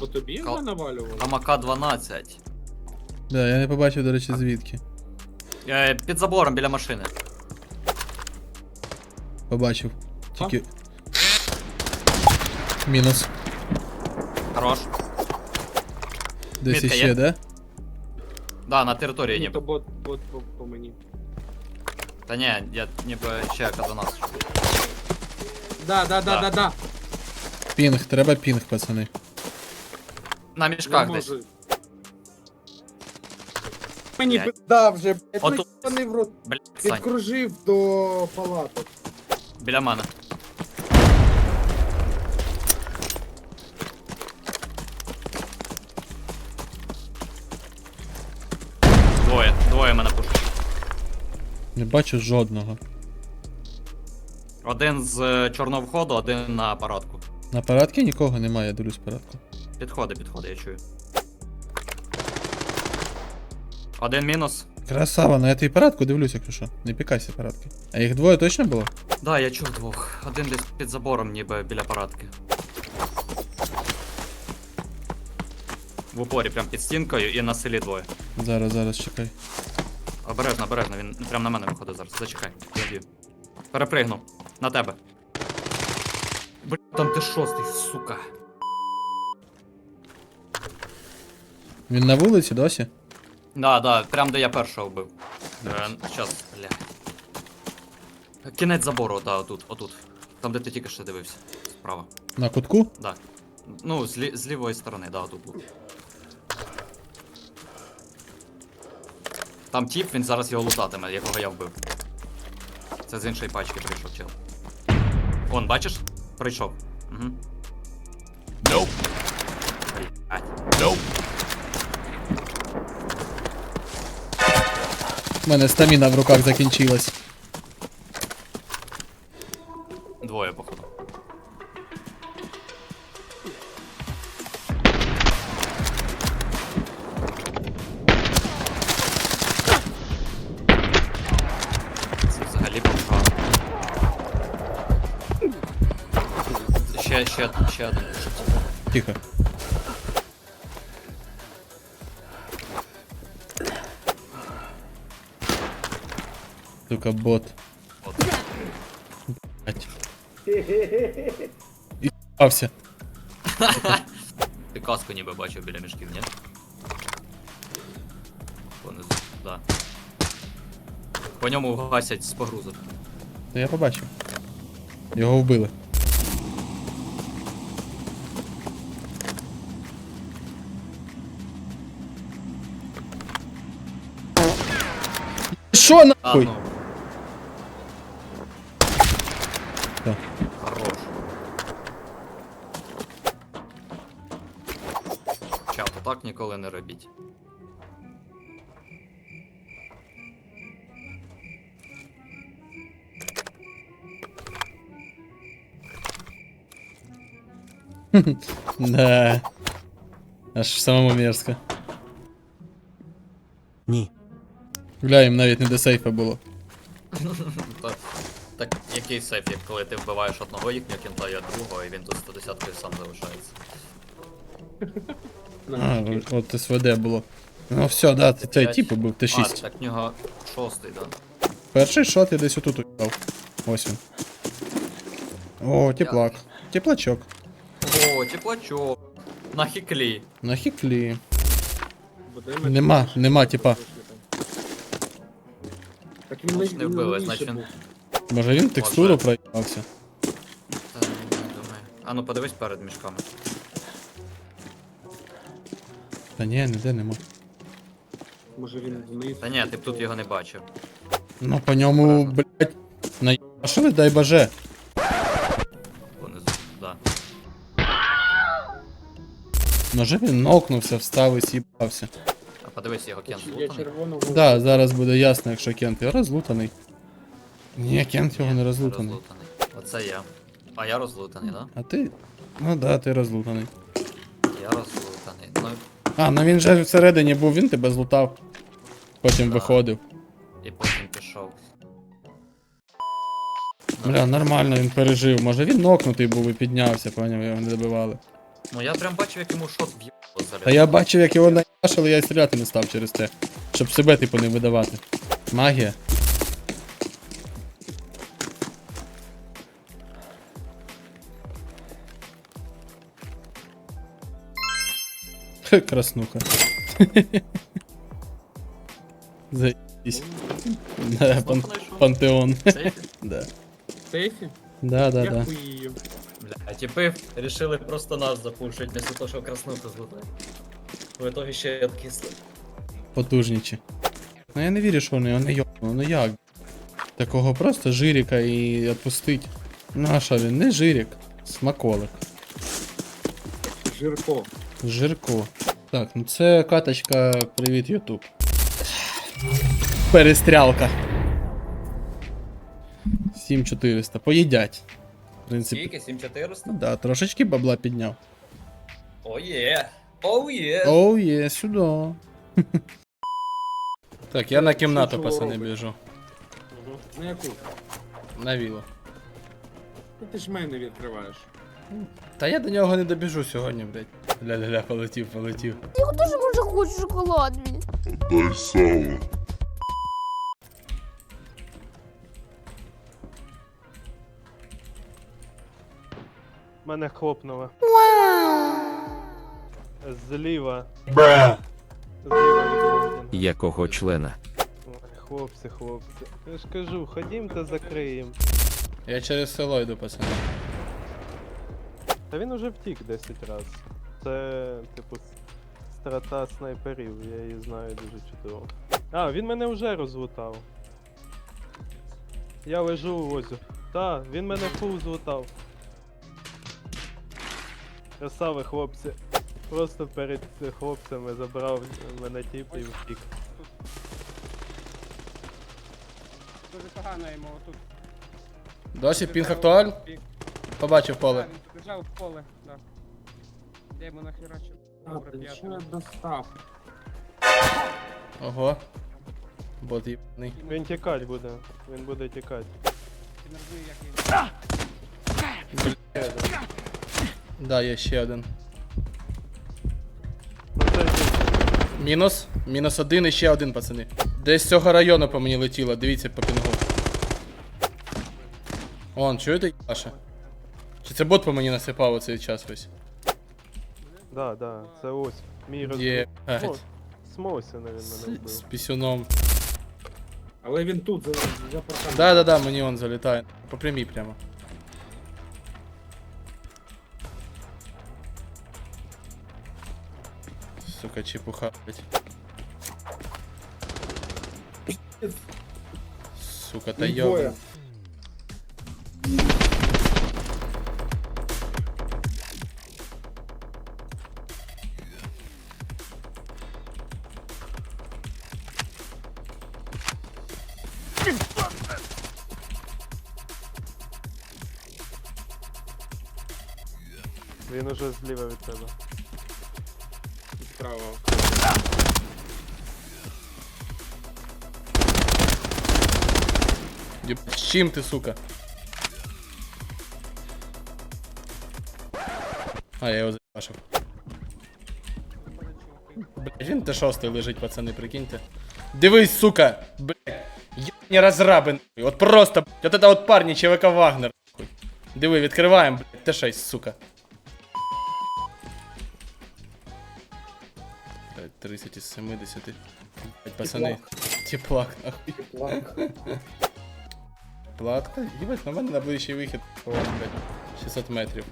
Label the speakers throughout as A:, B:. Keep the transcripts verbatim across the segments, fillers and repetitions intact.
A: По тобі
B: Кал-
A: вже навалювали?
B: Там А К дванадцять.
C: Да, я не побачив, до речі, звідки.
B: Е, під забором біля машини.
C: Побачив. Тільки. Мінус.
B: Хорош.
C: Десь
B: Мітка
C: іще,
B: є?
C: да?
B: Да, на території
A: Ні,
B: ніби.
A: то бот, бот по, по мені.
B: Та ні, я ніби ще К дванадцять.
A: Да, да, да,
B: Да.
A: да, да.
C: Пінг, треба пінг, пацани.
B: На
A: Не
B: мішках десь.
A: можу. Мені
B: Блядь.
A: пизда вже, блядь,
B: Отут.
A: вони в рот.
B: Блядь, Сань,
A: Підкружив до палаток.
B: біля мене. Двоє, двоє мене пушать.
C: Не бачу жодного.
B: Один з е, чорного входу, один на парадку.
C: На парадці нікого немає, я дивлюсь парадку.
B: Підходи, підходи, я чую. Один мінус.
C: Красава, на этой парадку дивлюсь, якщо що. Не пікайся парадки. А їх двоє точно було?
B: Да, я чув двох. Один десь під забором, ніби біля парадки. В упорі, прям під стінкою і на селі двоє.
C: Зараз, зараз, чекай.
B: Обережно, обережно, він прям на мене виходить зараз. Зачекай, я б'ю. Перепригну. На тебе. Блін, там ти шостий, сука.
C: Він на вулиці досі?
B: Да, да, прям де я першого вбив. Е, щас, бля. Кінець забору, да, отут, отут. Там, де ти тільки що дивився. Справа.
C: На кутку?
B: Да. Ну, з, лі з лівої сторони, да, отут був. Там тіп, він зараз його лутатиме, якого я вбив. Це з іншої пачки прийшов чел. Он, бачиш? Прийшов. Угу. Nope. Блядь. Nope.
C: У мене стаміна в руках закінчилась.
B: Двоє, походу. Це взагалі погано. Ще, ще, ще один.
C: Тихо. Сука, бот.
B: От.
C: Блять. І с**ався.
B: Ти каску ніби бачив біля мішків, ні? Понизу, да. По ньому гасять з погрузок.
C: Та я побачив. Його вбили. Що
B: А,
C: нахуй?
B: ну.
C: Так.
B: Хорош. Чат, так ніколи не робіть.
C: Да. Аж самому мерзко.
D: Ні.
C: Гля, їм навіть не до сейфа було.
B: Та, так який сейф, як коли ти вбиваєш одного їхнього кінта, я другого, і він тут сто десяткою сам залишається.
C: А, от С В Д було. Ну все, да, ти цей
B: П'ять.
C: тип був, Т
B: А,
C: шість.
B: так в нього шостий, да?
C: Перший шот я десь отут упав. Ось він. О, теплак. Теплачок.
B: О, теплачок. На хіклі.
C: На хіклі.
A: Буде ми-
C: Нема, нема, типа.
A: Так він
B: Може, не
A: він
B: вбили,
A: раніше
B: значить він-
A: був.
C: Може він текстуру
B: Може.
C: проїбався.
B: Та, не думаю. А ну подивись перед мішками.
C: Та ні, ніде нема.
A: Може він вниз.
B: Та ні, ти б тут його не бачив.
C: Ну по ньому, блять, наїбашили, дай боже.
B: Понизу, да.
C: Може він нокнувся, встав і с'їбався.
B: А подивись, його кент
A: Я
B: злутаний.
A: червоного.
C: Да, зараз буде ясно, якщо Кент його розлутаний. Ні, Кент його не розлутаний.
B: Розлутаний. Оце я. А я розлутаний, да?
C: А ти. Ну да, ти розлутаний.
B: Я розлутаний. Ну,
C: А, ну він же всередині був, він тебе злутав. Потім
B: Да.
C: виходив.
B: і потім пішов.
C: Бля, нормально він пережив. Може він нокнутий був і піднявся, поняв, його не добивали.
B: Ну я прям бачив, як йому шот в'їбало заряд.
C: Та я бачив, як його наїбашили, я й стріляти не став через це. Щоб себе, типу, не видавати. Магія. Хе, краснуха. Заебись. Да, пан- пантеон.
B: Сейфі?
C: Да.
A: В сейфі?
C: Да, да,
A: Я
C: да.
A: хуїю.
B: Бля, а типи решили просто нас запушить, вместо того, що краснуху злутати. В итоге ще й откисли.
C: Потужнічі. Ну я не вірю, що вони, вони йобну, ну як? Такого просто жиріка і відпустить. Ну а що він? Не жирік, смаколик.
A: Жирко.
C: Жирко. Так, ну це каточка, привіт, Ютуб. Перестрялка. сім чотириста. Поїдять. В принципі.
B: Скільки? сім чотириста?
C: Да, трошечки бабла підняв.
B: О є! О є!
C: Оу, є, сюди. Так, я на кімнату,
A: Що
C: пацани,
A: робить?
C: біжу.
A: На яку?
C: На віло.
A: Ну, ти ж мене відкриваєш.
C: Та я до нього не добіжу сьогодні, блядь. Ля-ля-ля, полетів, полетів.
D: Я теж може хочу шоколад мій.
E: Дай сало.
F: Мене хлопнуло. Зліва.
E: Бра.
F: Зліва від Голден.
G: Якого члена?
F: Ой, хлопці, хлопці. Я ж кажу, ходім та закриєм.
C: Я через село йду, пацани.
F: Та він уже втік десять раз. Це, типу, с- страта снайперів, я її знаю дуже чудово. А, він мене вже розлутав. Я лежу у возі. Та, він мене фул злутав. Красаві хлопці. Просто перед е, хлопцями забрав мене тіп і втік.
H: Дуже погано йому тут.
C: Досі пінг актуаль? Побачив поле.
H: Він побіжав в поле, да. Я йому нахерачив.
A: А,
H: Добре,
A: ти що
H: п'ятий.
A: я достав?
C: Ого. Бот їбаний.
F: Він тікать буде. Він буде тікати.
H: Ти не розумію, як він.
C: Да, є ще один.
F: Ну це ж
C: Мінус. Мінус один і ще один, пацани. Десь з цього району по мені летіло, дивіться по пінгу. Вон, чуєте, Яша? Чи це бот по мені насипав оцей час весь?
F: Да, да, це ось. Мій роз...
C: Є.
F: О, Смосина він мене
C: З,
F: вбив.
C: з пісюном.
A: Але він тут, за, за парканом.
C: Да, да, да, мені он залітає. По прямій прямо. Сука, чепуха, блять. Сука, та
A: Їх двоє.
C: йоба.
F: Він уже зліва від тебе.
A: Справа.
C: Єб... З чим ти, сука? А, я його заебашив. Блять, він Т шість лежить, пацани, прикиньте. Дивись, сука! Блять, ебані розраби, нахуй. От просто, блять, от это от парні ЧВК Вагнер, нахуй. Диви, відкриваємо, блять, Т шість, сука. Так, тридцять із семидесяти. Блять, пацани. Теплак, нахуй.
A: Теплак.
C: Платка? Їбать, на мене на ближчий вихід, о, блядь, шістсот метрів.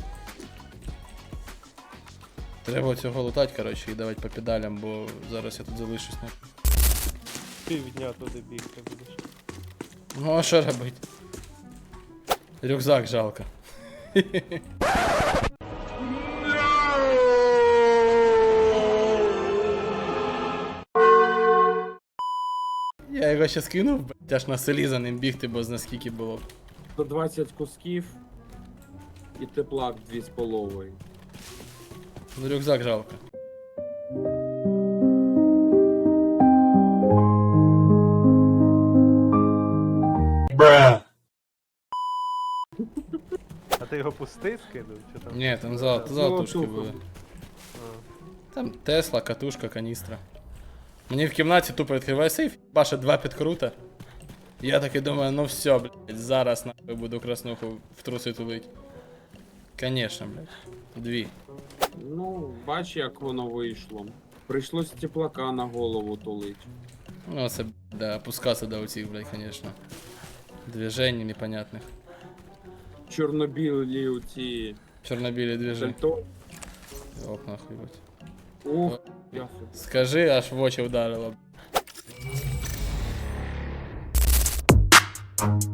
C: Треба цього лутати, коротше, і давати по педалям, бо зараз я тут залишусь. Не...
F: Півдня туди бігти будеш.
C: Ну а що робити? Рюкзак жалко. Я його ще скинув, блядь, аж на селі за ним бігти, бо наскільки було.
A: сто двадцять кусків і теплак дві з половою.
C: Ну рюкзак жалко.
E: Бра.
F: А ти його пустий скидав? Чи там?
C: Ні, там золото, золотушки
A: Золотуху.
C: були.
F: А.
C: Там Тесла, катушка, каністра. Мені в кімнаті тупо відкриває сейф, баше два підкрута. Я таки думаю, ну все, блядь, зараз нахуй буду краснуху в труси тулить. Конечно, блядь. Дві.
A: Ну, бач, як воно вийшло. Прийшлось теплака на голову тулить.
C: Ну це, да, опускаться до оцих, блядь, конечно. Движений непонятних.
A: Чорнобілі оці
C: Чорнобілі движень.
A: сальто.
C: Оп, нахуй, блядь.
A: Ух, ясно.
C: Скажи, аж в очі вдарило.